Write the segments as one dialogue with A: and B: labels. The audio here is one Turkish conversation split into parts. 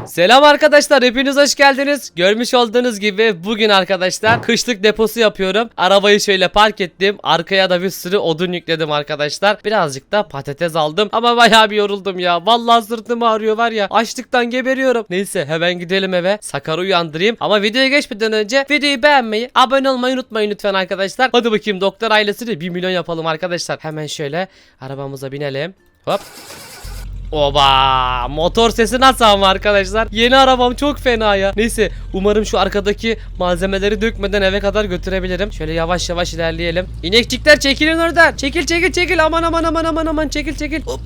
A: Selam arkadaşlar, hepiniz hoş geldiniz. Görmüş olduğunuz gibi bugün arkadaşlar kışlık deposu yapıyorum. Arabayı şöyle park ettim. Arkaya da bir sürü odun yükledim arkadaşlar. Birazcık da patates aldım ama bayağı bir yoruldum ya. Vallahi sırtım ağrıyor var ya. Açlıktan geberiyorum. Neyse hemen gidelim eve. Sakar'ı uyandırayım. Ama videoya geçmeden önce videoyu beğenmeyi, abone olmayı unutmayın lütfen arkadaşlar. Hadi bakayım doktor ailesini 1 milyon yapalım arkadaşlar. Hemen şöyle arabamıza binelim. Hop. Oba! Motor sesi nasıl ama arkadaşlar? Yeni arabam çok fena ya. Neyse umarım şu arkadaki malzemeleri dökmeden eve kadar götürebilirim. Şöyle yavaş yavaş ilerleyelim. İnekçikler çekilin oradan. Çekil. Aman çekil. Hop,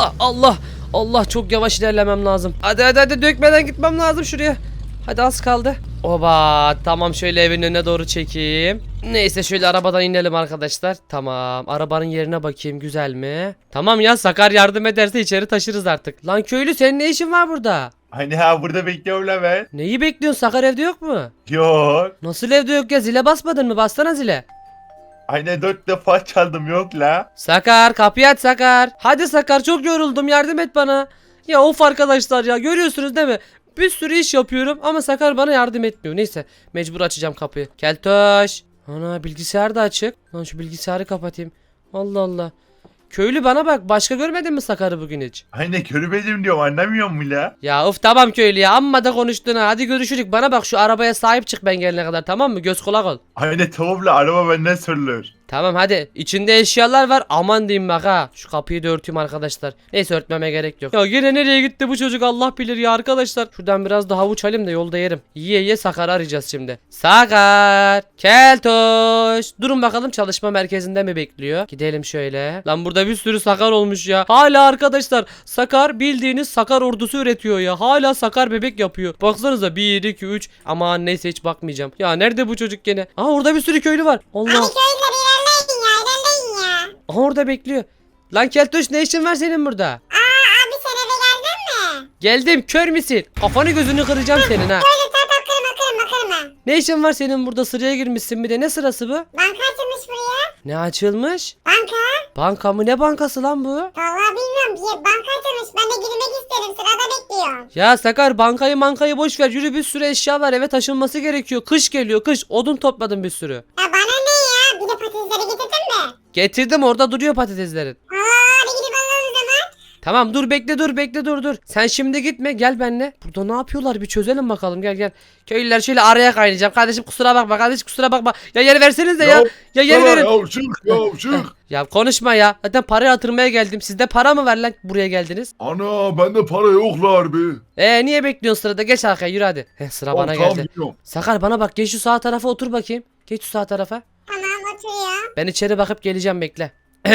A: Allah çok yavaş ilerlemem lazım. Hadi dökmeden gitmem lazım şuraya. Hadi az kaldı. Oba tamam, şöyle evin önüne doğru çekeyim. Neyse şöyle arabadan inelim arkadaşlar. Tamam, arabanın yerine bakayım, güzel mi? Tamam ya, Sakar yardım ederse içeri taşırız artık. Lan köylü, senin ne işin var burada?
B: Hani ha, burada bekliyorum la ben.
A: Neyi bekliyorsun, Sakar evde yok mu?
B: Yok.
A: Nasıl evde yok ya, zile basmadın mı? Bassana zile.
B: Hani 4 defa çaldım, yok la.
A: Sakar kapıyı aç Sakar. Hadi Sakar, çok yoruldum, yardım et bana. Ya of arkadaşlar ya, görüyorsunuz değil mi? Bir sürü iş yapıyorum ama Sakar bana yardım etmiyor. Neyse mecbur açacağım kapıyı. Keltoş. Ana, bilgisayar da açık. Lan şu bilgisayarı kapatayım. Allah Allah. Köylü bana bak, başka görmedin mi Sakar'ı bugün hiç?
B: Hani körümedim diyorum, anlamıyor mu la?
A: Ya of tamam köylü ya, amma da konuştun ha. Hadi görüşürük, bana bak şu arabaya sahip çık ben gelene kadar, tamam mı? Göz kulak ol.
B: Hani tamam la, araba benden sorulur.
A: Tamam hadi, içinde eşyalar var, aman diyeyim bak ha. Şu kapıyı da örteyim arkadaşlar. Neyse örtmeme gerek yok. Ya yine nereye gitti bu çocuk, Allah bilir ya arkadaşlar. Şuradan biraz da havuç alayım da yolda yerim. Yiye Sakar'ı arayacağız şimdi. Sakar, Keltoş. Durun bakalım, çalışma merkezinde mi bekliyor? Gidelim şöyle. Lan burada bir sürü Sakar olmuş ya. Hala arkadaşlar Sakar, bildiğiniz Sakar ordusu üretiyor ya. Hala Sakar bebek yapıyor. Baksanıza 1 2 3. Aman neyse, hiç bakmayacağım. Ya nerede bu çocuk gene? Aa, orada bir sürü köylü var. Allah.
C: Hadi köyleri ilerleyin ya.
A: Aha, orada bekliyor. Lan Keltoş, ne işin var senin burada?
C: Abi sen eve geldin mi?
A: Geldim, kör müsün? Kafanı gözünü kıracağım senin ha.
C: Öyle kırma.
A: Ne işin var senin burada, sıraya girmişsin bir de, ne sırası bu?
C: Banka açılmış buraya.
A: Ne açılmış?
C: Banka.
A: Banka mı, ne bankası lan bu?
C: Vallahi bilmiyorum, bir banka açılmış. Ben de girmek istedim, sırada bekliyorum.
A: Ya Sakar, bankayı boş ver, yürü, bir sürü eşya var, eve taşınması gerekiyor. Kış geliyor, kış, odun topladım bir sürü.
C: Ya bana ne ya? Bir de patatesleri getirdin mi?
A: Getirdim, orada duruyor patateslerin.
C: Hadi gidip alalım o zaman.
A: Tamam dur, bekle dur. Sen şimdi gitme, gel benimle. Burada ne yapıyorlar bir çözelim bakalım, gel. Köylüler şöyle araya kaynayacağım. Kardeşim kusura bakma. Ya yer verseniz de ya. Ya yer verin.
D: Çık.
A: Ya konuşma ya. Zaten para yatırmaya geldim. Sizde para mı var lan, buraya geldiniz?
D: Ana bende para yok la harbi.
A: Niye bekliyorsun sırada? Geç arkaya, yürü hadi. Sıra bana
D: Tamam,
A: geldi.
D: gidiyorum.
A: Sakar bana bak, geç şu sağ tarafa otur bakayım. Geç şu sağ tarafa.
C: Tamam, oturuyor.
A: Ben içeri bakıp geleceğim, bekle.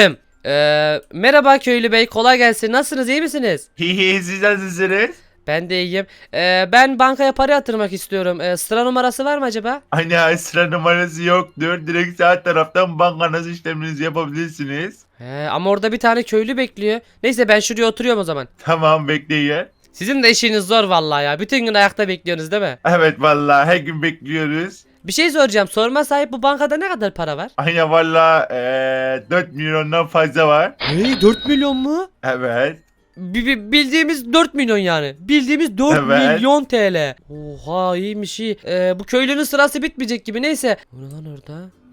A: Merhaba köylü bey, kolay gelsin. Nasılsınız, iyi misiniz?
B: Hihi, siz nasılsınız?
A: Ben de iyiyim. Ben bankaya para yatırmak istiyorum. Sıra numarası var mı acaba?
B: Hani ha, sıra numarası yoktur. Direkt sağ taraftan bankanız işleminizi yapabilirsiniz.
A: Ama orada bir tane köylü bekliyor. Neyse ben şuraya oturuyorum o zaman.
B: Tamam, bekleyin.
A: Sizin de işiniz zor vallahi ya. Bütün gün ayakta bekliyorsunuz değil mi?
B: Evet vallahi her gün bekliyoruz.
A: Bir şey soracağım. Sorma sahip, bu bankada ne kadar para var?
B: Hani valla 4 milyondan fazla var.
A: Hey, 4 milyon mu?
B: Evet.
A: Bildiğimiz 4 milyon yani. Bildiğimiz 4
B: Evet.
A: milyon TL. Oha, iyiymiş iyi. Bu köylünün sırası bitmeyecek gibi, neyse. O ne lan orada?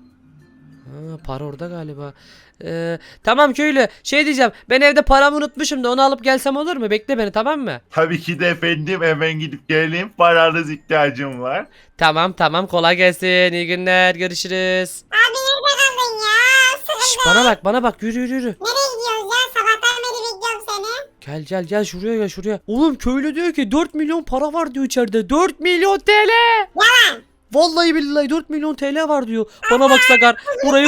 A: Ha, para orada galiba. Tamam köylü, şey diyeceğim, ben evde paramı unutmuşum da onu alıp gelsem olur mu? Bekle beni, tamam mı?
B: Tabii ki de efendim, hemen gidip geleyim. Paranız ihtiyacım var.
A: Tamam, kolay gelsin, iyi günler, görüşürüz.
C: Abi nerede kaldın ya? Sıkıldım.
A: Bana bak, yürü.
C: Nereye gidiyoruz ya? Sabahtan beri bekliyorum seni.
A: Gel şuraya. Oğlum köylü diyor ki 4 milyon para var diyor içeride. 4 milyon TL.
C: Yalan.
A: Vallahi billahi 4 milyon TL var diyor. Bana bak Sakar, burayı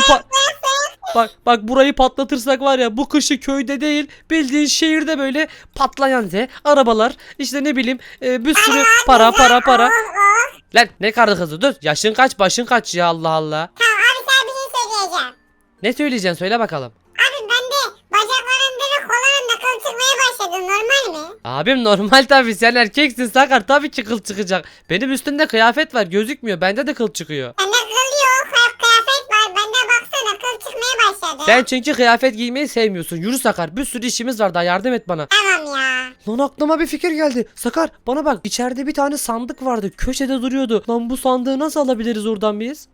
A: bak burayı patlatırsak var ya, bu kışı köyde değil bildiğin şehirde böyle patlayan arabalar, işte ne bileyim, bir sürü para. Lan ne karı kızı, dur, yaşın kaç başın kaç ya, Allah Allah.
C: Tamam abi, sana bir şey söyleyeceğim.
A: Ne söyleyeceksin, söyle bakalım.
C: Abi ben de bacaklarımda ve kollarımda kıl çıkmaya başladı. Normal mi?
A: Abim normal tabii, sen erkeksin Sakar, tabii ki kıl çıkacak. Benim üstümde kıyafet var, gözükmüyor, bende de kıl çıkıyor.
C: Bende kıl yok. Kıyafet var. Bende baksana kıl çıkmaya başladı.
A: Sen çünkü kıyafet giymeyi sevmiyorsun. Yürü Sakar, bir sürü işimiz var, daha yardım et bana.
C: Tamam ya.
A: Lan aklıma bir fikir geldi. Sakar bana bak, içeride bir tane sandık vardı. Köşede duruyordu. Lan bu sandığı nasıl alabiliriz oradan biz?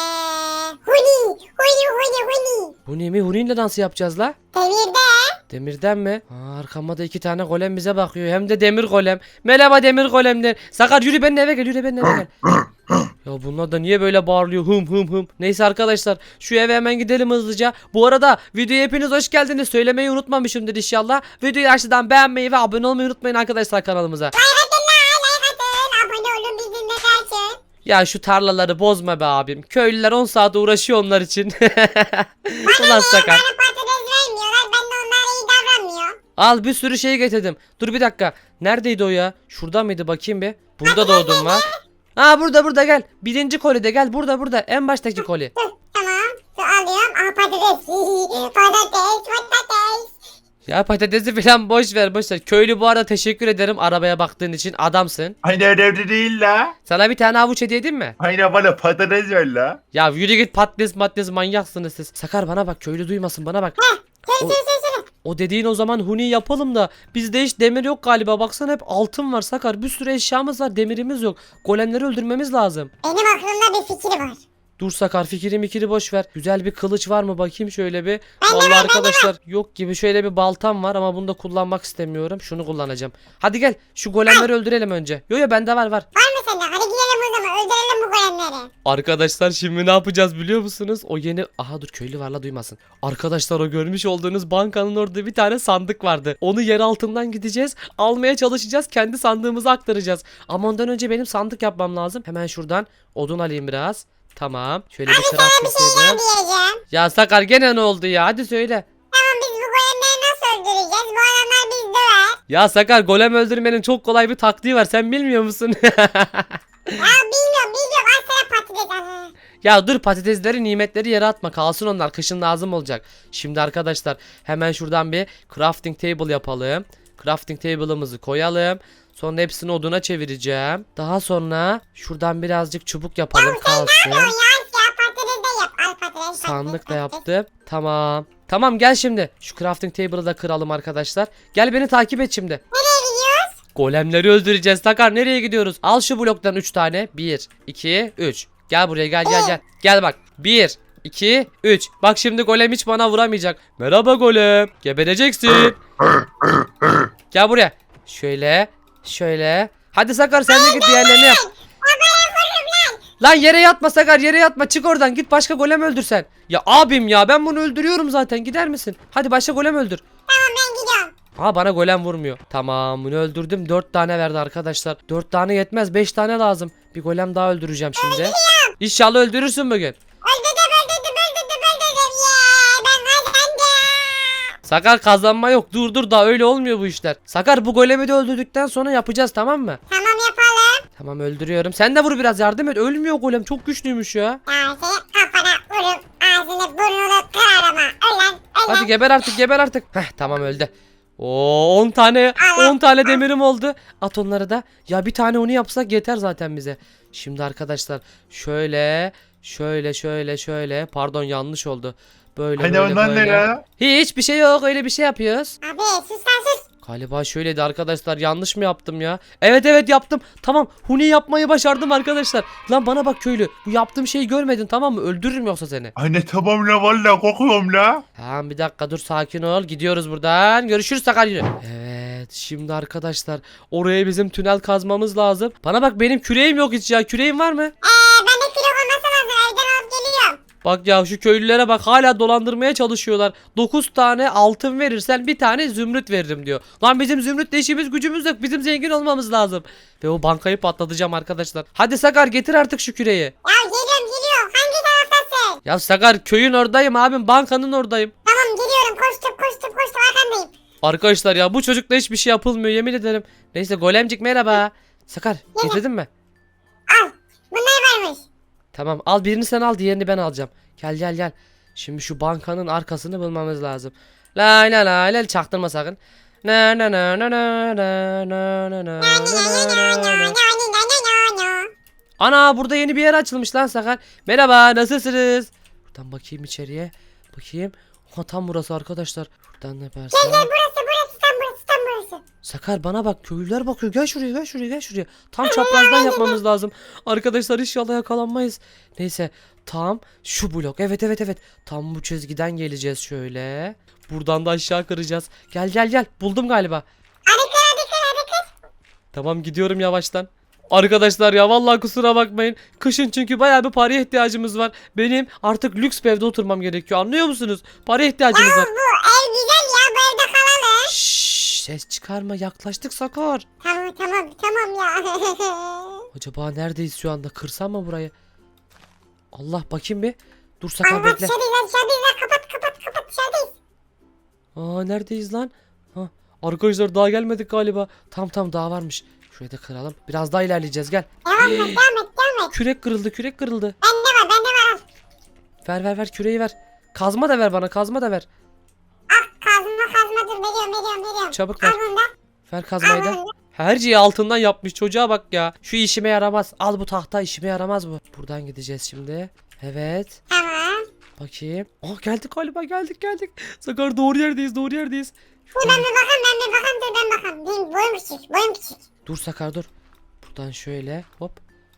C: Huni.
A: Bu ne mi? Huni'yle nasıl yapacağız la?
C: Demirde.
A: Demirden mi? Arkamda 2 tane golem bize bakıyor. Hem de demir golem. Merhaba demir golemler. Sakar yürü benimle eve gel. Yürü benimle eve gel. Ya bunlar da niye böyle bağırıyor? Hım hım hım. Neyse arkadaşlar, şu eve hemen gidelim hızlıca. Bu arada videoya hepiniz hoş geldiniz. Söylemeyi unutmamışımdır inşallah. Videoyu aşağıdan beğenmeyi ve abone olmayı unutmayın arkadaşlar kanalımıza.
C: Like atın. Abone olun bizimle kaçın.
A: Ya şu tarlaları bozma be abim. Köylüler 10 saat uğraşıyor onlar için. Ulan Sakar.
C: Bana patates vermiyorlar. Ben de onlara iyi davranmıyorum.
A: Al bir sürü şey getirdim. Dur bir dakika. Neredeydi o ya? Şurada mıydı, bakayım bir. Burada da odun var. Aa burada gel. Birinci kolide gel. Burada. En baştaki koli.
C: Tamam. Şu alıyorum. Aha patates. Patates.
A: Ya patatesi falan boş ver. Köylü bu arada teşekkür ederim arabaya baktığın için, adamsın.
B: Aynı evde değil la.
A: Sana bir tane havuç hediye edeyim mi?
B: Aynı bana patates ver la.
A: Ya yürü git, patates manyaksınız siz. Sakar bana bak, köylü duymasın, bana bak.
C: Söyle.
A: O dediğin o zaman huni yapalım da bizde hiç demir yok galiba. Baksana hep altın var Sakar. Bir sürü eşyamız var, demirimiz yok. Golemleri öldürmemiz lazım.
C: Benim aklımda bir fikir var.
A: Dur Sakar, fikri boş ver. Güzel bir kılıç var mı bakayım şöyle bir.
C: Ben de
A: Vallahi
C: var,
A: arkadaşlar yok gibi. Şöyle bir baltam var ama bunu da kullanmak istemiyorum. Şunu kullanacağım. Hadi gel şu golemleri öldürelim önce. Yo bende var.
C: Var mı sende? Hadi gidelim o zaman. Öldürelim bu golemleri.
A: Arkadaşlar şimdi ne yapacağız biliyor musunuz? O yeni... Aha dur, köylü var la, duymasın. Arkadaşlar o görmüş olduğunuz bankanın orada bir tane sandık vardı. Onu yer altından gideceğiz. Almaya çalışacağız. Kendi sandığımıza aktaracağız. Ama ondan önce benim sandık yapmam lazım. Hemen şuradan odun alayım biraz. Tamam. Şöyle bir
C: Sana
A: craft
C: bir şey
A: yapayım.
C: diyeceğim.
A: Ya Sakar gene ne oldu ya? Hadi söyle.
C: Tamam biz bu golemleri nasıl öldüreceğiz? Bu adamlar bizi döver.
A: Ya Sakar, golem öldürmenin çok kolay bir taktiği var. Sen bilmiyor musun?
C: Ya bilmiyorum. Al sana patates. Aha.
A: Ya dur, patatesleri nimetleri yere atma, kalsın onlar, kışın lazım olacak. Şimdi arkadaşlar hemen şuradan bir crafting table yapalım. Crafting table'ımızı koyalım. Sonra hepsini oduna çevireceğim. Daha sonra şuradan birazcık çubuk yapalım, kalsın.
C: Ya patates de yap. Al patates.
A: Sandık da yaptım. Tamam gel şimdi. Şu crafting table'ı da kıralım arkadaşlar. Gel beni takip et şimdi.
C: Nereye gidiyoruz?
A: Golemleri öldüreceğiz Sakar, nereye gidiyoruz? Al şu bloktan 3 tane. 1 2 3. Gel buraya, gel. Gel bak. 1 2 3. Bak şimdi golem hiç bana vuramayacak. Merhaba golem. Gebereceksin. Gel buraya. Şöyle. Hadi Sakar, sen de git diğerlerini yap. Lan yere yatma Sakar, yere yatma. Çık oradan, git başka golem öldür sen. Ya abim ya, ben bunu öldürüyorum zaten, gider misin? Hadi başka golem öldür.
C: Tamam ben gidiyorum.
A: Aa, bana golem vurmuyor. Tamam, bunu öldürdüm. 4 tane verdi arkadaşlar. 4 tane yetmez, 5 tane lazım. Bir golem daha öldüreceğim şimdi. İnşallah öldürürsün bugün.
C: Öldürdüm. Ben kazandım.
A: Sakar, kazanma yok. Dur daha öyle olmuyor bu işler. Sakar, bu golemi de öldürdükten sonra yapacağız, tamam mı?
C: Tamam yapalım.
A: Tamam, öldürüyorum. Sen de vur biraz, yardım et. Ölmüyor golem, çok güçlüymüş ya.
C: Ya seni kafana vurup ağzını burnunu kırarım ha. Ölen.
A: Hadi geber artık. Heh, tamam öldü. Oo, 10 tane demirim oldu. At onları da. Ya bir tane onu yapsak yeter zaten bize. Şimdi arkadaşlar şöyle. Pardon, yanlış oldu.
B: Hani ondan ne ya?
A: Hiçbir şey yok, öyle bir şey yapıyoruz.
C: Abi sus lan sus.
A: Galiba şöyleydi arkadaşlar, yanlış mı yaptım ya? Evet yaptım. Tamam, huni yapmayı başardım arkadaşlar. Lan bana bak köylü, bu yaptığım şeyi görmedin tamam mı? Öldürürüm yoksa seni.
B: Anne tamam la valla korkuyorum la.
A: Tamam, bir dakika dur, sakin ol. Gidiyoruz buradan. Görüşürüz Sakar, yürü. Evet şimdi arkadaşlar, oraya bizim tünel kazmamız lazım. Bana bak, benim küreğim yok hiç ya. Küreğin var mı?
C: Ben de kilo olması lazım. Evden alıp geliyorum.
A: Bak ya, şu köylülere bak, hala dolandırmaya çalışıyorlar. 9 tane altın verirsen bir tane zümrüt veririm diyor. Lan bizim zümrütle işimiz gücümüz yok. Bizim zengin olmamız lazım. Ve o bankayı patlatacağım arkadaşlar. Hadi Sakar, getir artık şu küreği.
C: Ya geliyorum. Hangi taraftasın?
A: Ya Sakar, köyün oradayım abim, bankanın oradayım.
C: Tamam geliyorum. Koştum arkandayım.
A: Arkadaşlar ya, bu çocukla hiçbir şey yapılmıyor, yemin ederim. Neyse golemcik merhaba. Sakar, getirdin mi?
C: Al. Bunlar varmış.
A: Tamam, al birini sen al, diğerini ben alacağım. Gel. Şimdi şu bankanın arkasını bulmamız lazım. La çaktırma sakın. Ana, burada yeni bir yer açılmış lan Sakar. Merhaba, nasılsınız? Buradan bakayım içeriye. Bakayım. Ha, tam burası arkadaşlar. Buradan ne yaparsam.
C: Gel burası. Tam burası.
A: Sakar bana bak, köylüler bakıyor. Gel şuraya, gel şuraya, gel şuraya. Tam çaprazdan yapmamız lazım. Arkadaşlar inşallah yakalanmayız. Neyse, tam şu blok. Evet evet evet. Tam bu çizgiden geleceğiz şöyle. Buradan da aşağı kıracağız. Gel gel gel. Buldum galiba.
C: Hadi kır.
A: Tamam, gidiyorum yavaştan. Arkadaşlar ya vallahi kusura bakmayın. Kışın çünkü bayağı bir paraya ihtiyacımız var. Benim artık lüks bir evde oturmam gerekiyor. Anlıyor musunuz? Paraya ihtiyacımız var.
C: Bu ev güzel ya, bu evde kalalım.
A: Şşş, ses çıkarma, yaklaştık Sakar.
C: Tamam ya.
A: Acaba neredeyiz şu anda? Kırsam mı burayı? Allah, bakayım bir. Dur Sakar,
C: Allah
A: bekle.
C: dışarıdayız kapat dışarıdayız.
A: Aa, neredeyiz lan? Ha, arkadaşlar daha gelmedik galiba. Tam daha varmış. Şurayı da kıralım. Biraz daha ilerleyeceğiz, gel.
C: Devam et.
A: Kürek kırıldı.
C: Bende var al.
A: Ver küreği ver. Kazma da ver bana, kazma da ver.
C: Kazma dur veriyorum.
A: Çabuk ver.
C: Al bunu da.
A: Ver kazmayı da. Her şeyi altından yapmış, çocuğa bak ya. Şu işime yaramaz. Al bu tahta, işime yaramaz bu. Buradan gideceğiz şimdi. Evet.
C: Tamam.
A: Bakayım. Aa, geldik galiba, geldik. Sakar, doğru yerdeyiz.
C: Dur ben bir bakayım. Benim boyum küçük.
A: Dur Sakar, dur. Buradan şöyle hop.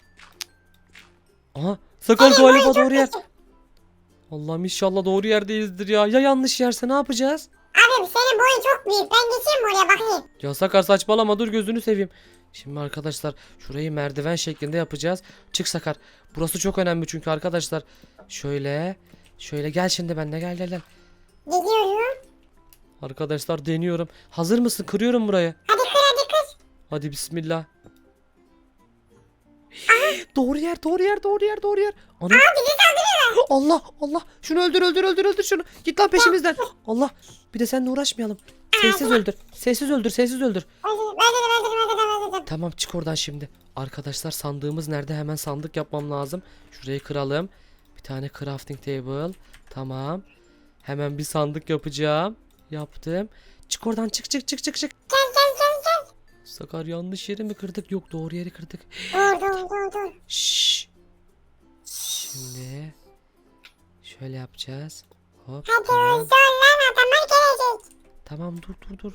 A: Aha, Sakar galiba doğru yer. Allah'ım inşallah doğru yerdeyizdir ya. Ya yanlış yerse ne yapacağız?
C: Abi senin boyun çok büyük. Ben geçeyim mi oraya bakayım?
A: Ya Sakar saçmalama, dur gözünü seveyim. Şimdi arkadaşlar şurayı merdiven şeklinde yapacağız. Çık Sakar. Burası çok önemli çünkü arkadaşlar. Şöyle gel şimdi benimle, gel.
C: Gidiyorum.
A: Arkadaşlar deniyorum. Hazır mısın? Kırıyorum burayı.
C: Hadi kır.
A: Hadi bismillah. Doğru yer. Ana.
C: Bizi saldırıyorlar.
A: Allah. Şunu öldür şunu. Git lan peşimizden. Allah. Bir de seninle uğraşmayalım. Sessiz öldür.
C: Öldürdüm.
A: Tamam, çık oradan şimdi. Arkadaşlar sandığımız nerede? Hemen sandık yapmam lazım. Şurayı kıralım. Bir tane crafting table. Tamam. Hemen bir sandık yapacağım. Yaptım. Çık oradan, çık.
C: Gel.
A: Sakar, yanlış yeri mi kırdık? Yok, doğru yeri kırdık.
C: Dur.
A: Şşş. Şimdi şöyle yapacağız. Hop.
C: Hadi
A: Tamam.
C: lan adamlar gelecek.
A: Tamam, dur.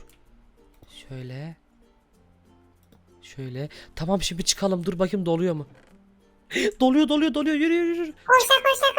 A: Şöyle. Tamam, şimdi çıkalım. Dur bakayım doluyor mu? Doluyor. Yürü.
C: Koşa.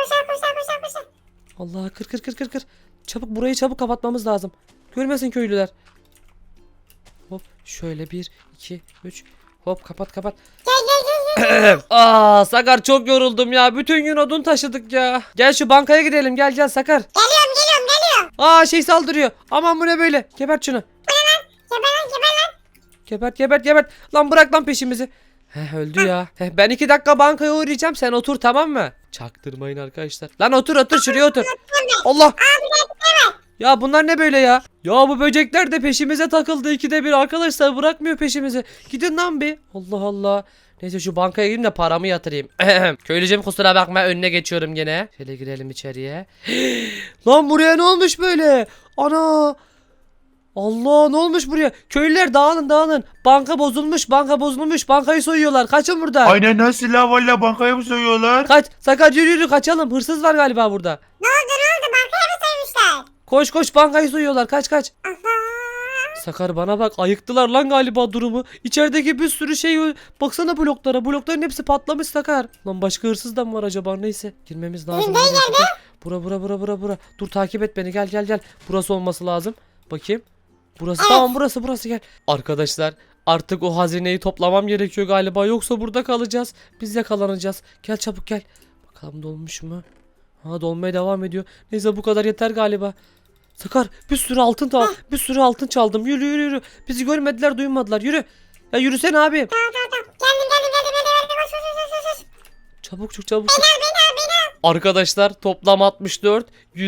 A: Allah, kır. Çabuk, burayı çabuk kapatmamız lazım. Görmesin köylüler. Hop, şöyle 1 2 3. Hop, kapat.
C: Gel.
A: Aa, Sakar çok yoruldum ya. Bütün gün odun taşıdık ya. Gel şu bankaya gidelim. Gel Sakar.
C: Geliyorum.
A: Aa, şey saldırıyor. Aman, bu ne böyle? Gebert şunu.
C: Geber lan.
A: Gebert. Lan bırak lan peşimizi. Öldü ya. Ben 2 dakika bankaya uğrayacağım. Sen otur, tamam mı? Çaktırmayın arkadaşlar. Lan otur şuraya otur. Allah. Ya bunlar ne böyle ya? Ya bu böcekler de peşimize takıldı, 2'de 1 arkadaşlar, bırakmıyor peşimizi. Gidin lan bir. Allah. Neyse, şu bankaya gireyim de paramı yatırayım. Köylücüm kusura bakma, önüne geçiyorum gene. Şöyle girelim içeriye. Lan buraya ne olmuş böyle? Ana. Allah, ne olmuş buraya? Köylüler dağılın. Banka bozulmuş. Bankayı soyuyorlar. Kaçın buradan.
B: Aynen, nasıl la valla, bankaya mı soyuyorlar?
A: Kaç. Sakar, yürü kaçalım. Hırsız var galiba burada.
C: Ne oldu? Bankaya mı soymuşlar?
A: Koş, bankayı soyuyorlar. Kaç.
C: Aha.
A: Sakar bana bak, ayıktılar lan galiba durumu. İçerideki bir sürü şey, baksana bloklara. Blokların hepsi patlamış Sakar. Lan başka hırsız da mı var acaba? Neyse, girmemiz lazım. Bura. Dur, takip et beni, gel. Burası olması lazım. Bakayım. Burası,
C: Evet.
A: tamam, burası gel. Arkadaşlar artık o hazineyi toplamam gerekiyor galiba, yoksa burada kalacağız. Biz yakalanacağız. Gel çabuk gel. Bakalım dolmuş mu? Ha, dolmaya devam ediyor. Neyse, bu kadar yeter galiba. Sakar, bir sürü altın çaldım. Yürü. Bizi görmediler, duymadılar. Yürü. Ya yürüsene abim.
C: Tamam. Geldim. Koş.
A: Çabuk çık. Arkadaşlar toplam 64,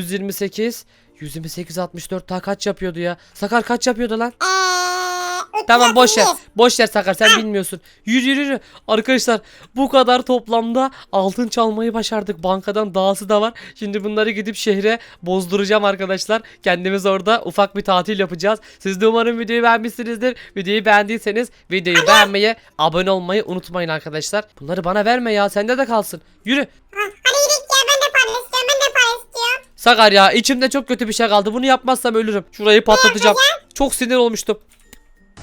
A: 128, 64 daha kaç yapıyordu ya? Sakar kaç yapıyordu lan? Tamam, boş ver Sakar, sen bilmiyorsun. Yürü. Arkadaşlar bu kadar toplamda altın çalmayı başardık. Bankadan dahası da var. Şimdi bunları gidip şehre bozduracağım arkadaşlar. Kendimiz orada ufak bir tatil yapacağız. Siz de umarım videoyu beğenmişsinizdir. Videoyu beğendiyseniz videoyu beğenmeyi, abone olmayı unutmayın arkadaşlar. Bunları bana verme ya, sende de kalsın. Yürü.
C: Hadi gidelim ya, ben de para istiyorum.
A: Sakar ya, içimde çok kötü bir şey kaldı. Bunu yapmazsam ölürüm. Şurayı patlatacağım. Çok sinir olmuştum.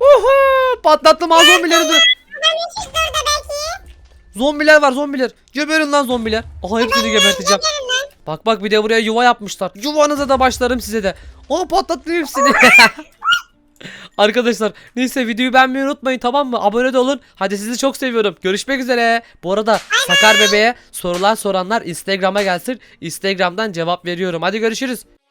A: Oha! Patlattım ha zombileri.
C: Adam çıktı orada belki.
A: Zombiler var zombiler. Geberin lan zombiler. Aha hepsini geberteceğim. Bak bak bir de buraya yuva yapmışlar. Yuvanıza da başlarım size de. Aa patlattım hepsini. Arkadaşlar neyse videoyu beğenmeyi unutmayın tamam mı? Abone de olun. Hadi sizi çok seviyorum. Görüşmek üzere. Bu arada Sakar Bebe'ye sorular soranlar Instagram'a gelsin. Instagram'dan cevap veriyorum. Hadi görüşürüz.